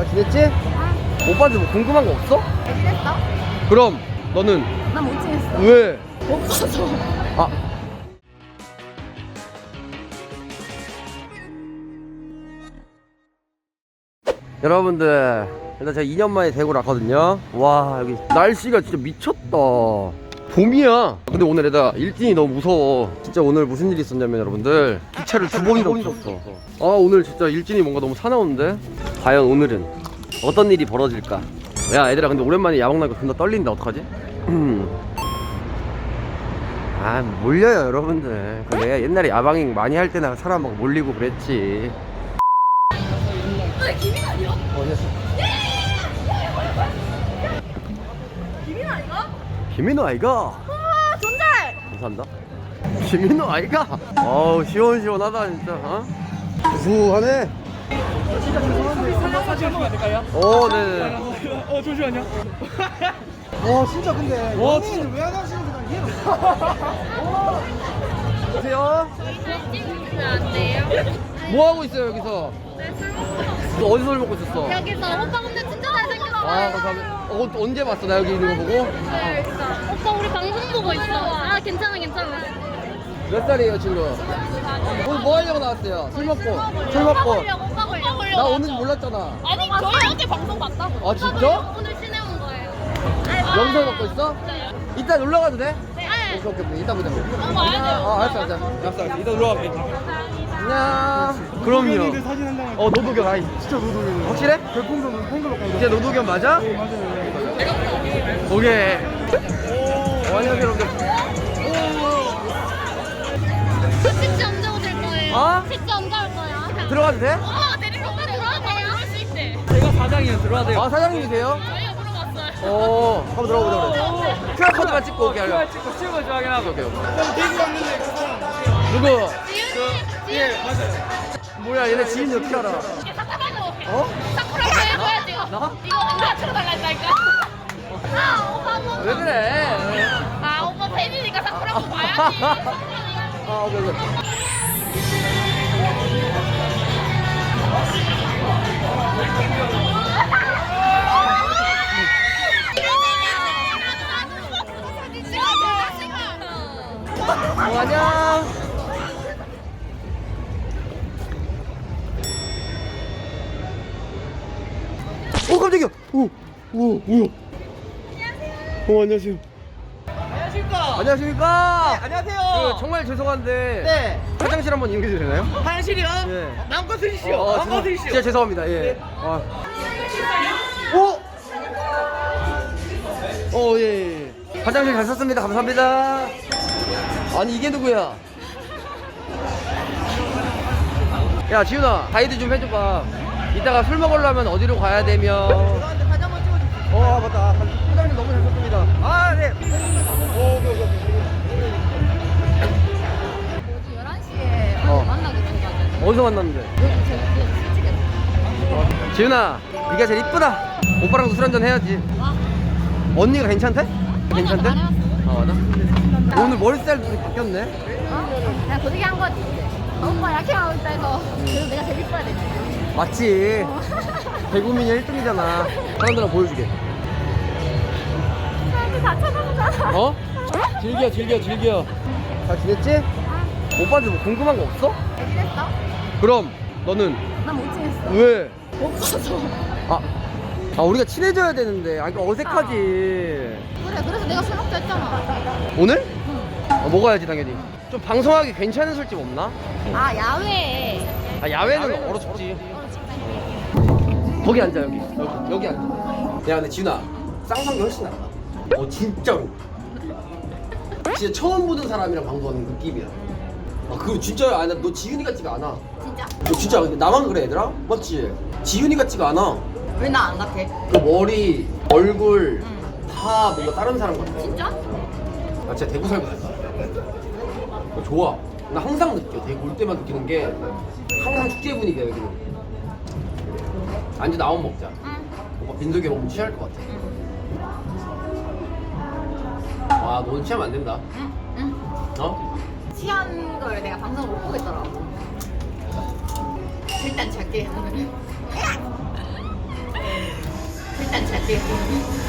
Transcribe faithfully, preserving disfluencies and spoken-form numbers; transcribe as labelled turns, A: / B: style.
A: 잘 지냈지?
B: 응.
A: 오빠한테 뭐 궁금한 거 없어?
B: 잘 지냈어?
A: 그럼 너는?
B: 난 못 지냈어.
A: 왜?
B: 못 봐서.
A: 아 여러분들 일단 제가 이 년 만에 대구를 왔거든요. 와 여기 날씨가 진짜 미쳤다. 봄이야. 근데 오늘 애다 일진이 너무 무서워. 진짜 오늘 무슨 일이 있었냐면 여러분들 기차를 두 번이나 놓쳤어. 아 오늘 진짜 일진이 뭔가 너무 사나운데. 과연 오늘은 어떤 일이 벌어질까. 야 얘들아 근데 오랜만에 야방 나니까 존나 떨린다. 어떡하지? 아 몰려요 여러분들. 그 내가 옛날에 야방행 많이 할 때나 사람 막 몰리고 그랬지.
B: 왜 김인 아니야?
A: 어 됐어.
B: 김인 아니가?
A: 김민호 아이가?
B: 와 존잘.
A: 감사합니다. 김민호 아이가? 어우 시원시원하다 진짜. 어? 구수하네.
C: 진짜 죄송한데 한번 사진 찍으면 안 될까요?
A: 어 네네.
C: 어 잠시만요.
D: 와 진짜 근데
C: 와,
D: 연예인을 왜 안 하시는지 난 이해가 안
A: 안녕하세요.
B: 찍으면 안 돼요?
A: 뭐 하고 있어요 여기서?
B: 네, 술 먹고.
A: 너 어디서 술 먹고 있었어?
B: 여기서 오빠 근데 진짜 잘생겼어.
A: 아 감사합니다. 어, 언제 봤어 나 여기 있는 거 보고?
B: 네, 진짜. 오빠 우리 방송 보고 있어. 아 괜찮아 괜찮아.
A: 몇 살이에요 친구? 오늘 뭐 하려고 나왔어요? 술 먹고. 술
B: 오빠
A: 먹고.
B: 보려고 오빠 보려고.
A: 나 오는지 몰랐잖아.
B: 아니 저희 어제 방송 봤다고.
A: 아, 진짜?
B: 오늘 시내 온 거예요.
A: 영상 먹고 있어?
B: 네.
A: 이따 놀러 가도 돼?
B: 네.
A: 오케이 오케이 오케이. 이따 보자.
B: 아, 와야 돼요.
A: 아 알았어 알았어. 알았어 알았어. 이따 놀러 갈게. 안녕. 그럼요.
C: 사진 한 장만.
A: 어 노도겸 아이.
C: 진짜 노동이네.
A: 확실해?
C: 별풍선 팬클럽 가고.
A: 진짜 노도겸 맞아?
C: 네 맞아요.
A: 오케이. 어, 안녕하세요 여러분들.
B: 진짜 언제 오실 거예요?
A: 어?
B: 진짜 언제 올 거야?
A: 들어가도 돼?
B: 어, 데리러 오빠 들어와도 돼요? 그럴 수 있대.
C: 제가 사장이에요. 들어와야 돼요.
A: 아 사장님이세요?
B: 저희가 물어봤어요.
A: 어 한번 들어가보자 그래. 큐알 코드만 찍고 오게 하려.
C: 찍고 찍어 줘 확인하고.
A: 오케이 오케이.
C: 대구 왔는데 그 사람.
A: 누구?
B: 지윤이, 지윤이.
C: 예 맞아요.
A: 뭐야 얘네 지인이 어떻게 알아?
B: 이게 사쿠라도.
A: 어?
B: 사쿠라도 해봐야지.
A: 나?
B: 이거 내가 틀어달라 했다니까. 아, 오빠 한 번.
A: 왜 그래?
B: 아, 오빠 팬이니까 사쿠라도 봐야지.
A: 아 오케이 오케이. 어 안녕. 어 깜짝이야. 오, 오, 뭐야? 안녕하세요. 어 안녕하세요.
D: 안녕하십니까.
A: 안녕하십니까.
D: 안녕하세요.
A: 그, 정말 죄송한데
D: 네.
A: 화장실 한번 이용해도 되나요?
D: 화장실이요?
A: 네.
D: 마음껏 쓰십시오.
A: 어,
D: 마음껏
A: 죄송-
D: 쓰십시오.
A: 진짜 죄송합니다. 예. 아. 오! 어, 예, 예. 화장실 잘 썼습니다. 감사합니다. 아니, 이게 누구야? 야, 지훈아, 가이드 좀 해줘봐. 이따가 술 먹으려면 어디로 가야 되며.
D: 저한테 사진 한번 찍어주세요.
A: 어, 맞다. 화장실 너무 잘 썼습니다. 아, 네. 오, 오케이, 오케이, 오케이.
B: 열한 시에
A: 어.
B: 만나기로 해가지고.
A: 어디서 만났는데?
B: 여기 제가 솔직히.
A: 지훈아, 네가 제일 이쁘다. 오빠랑도 술 한잔 해야지.
B: 와.
A: 언니가 괜찮대? 괜찮대?
B: 안 해봤어.
A: 어, 맞아? 오늘 머리 스타일 좀 바뀌었네?
B: 어? 그냥 고데기 한 거지. 오빠 약해 나올 때서 그래도 내가 제일 이뻐야 되지.
A: 맞지? 대구민이 일 등이잖아. 사람들한테 보여주게.
B: 사람들 다 쳐다보잖아.
A: 어? 즐겨, 즐겨, 즐겨. 잘 지냈지? 오빠한테 뭐 궁금한 거 없어?
B: 잘 지냈어?
A: 그럼 너는?
B: 난 못 지냈어.
A: 왜?
B: 못 봐서.
A: 아, 아 우리가 친해져야 되는데. 아, 이거 어색하지.
B: 그래, 그래서 내가 술 먹자 했잖아.
A: 오늘? 어, 먹어야지 당연히. 좀 방송하기 괜찮은 술집 없나?
B: 아, 야외.
A: 아 야외는 얼어 죽지. 거기 앉아 여기. 여기, 여기 앉아. 야 근데 지훈아 쌍성이 훨씬 낫다. 어 진짜로. 진짜 처음 보는 사람이랑 방송하는 느낌이야. 아 그거 진짜야. 아니 너 지훈이 같지가 않아.
B: 진짜?
A: 너 진짜 근데 나만 그래 얘들아? 맞지? 지훈이 같지가 않아.
B: 왜 나 안 같아?
A: 그 머리, 얼굴 다 뭔가 다른 사람 같아.
B: 진짜?
A: 나 진짜 대구 살고 있어. 어, 좋아. 나 항상 느껴. 대구 올 때만 느끼는 게 항상 축제 분위기야 여기는. 안주 나온 먹자.
B: 응.
A: 오빠 빈속에 너무 취할 것 같아. 와, 너는 취하면 안 된다.
B: 응. 응.
A: 어?
B: 취한 걸 내가 방송을 못 보겠더라고. 일단 잘게.
D: 이렇게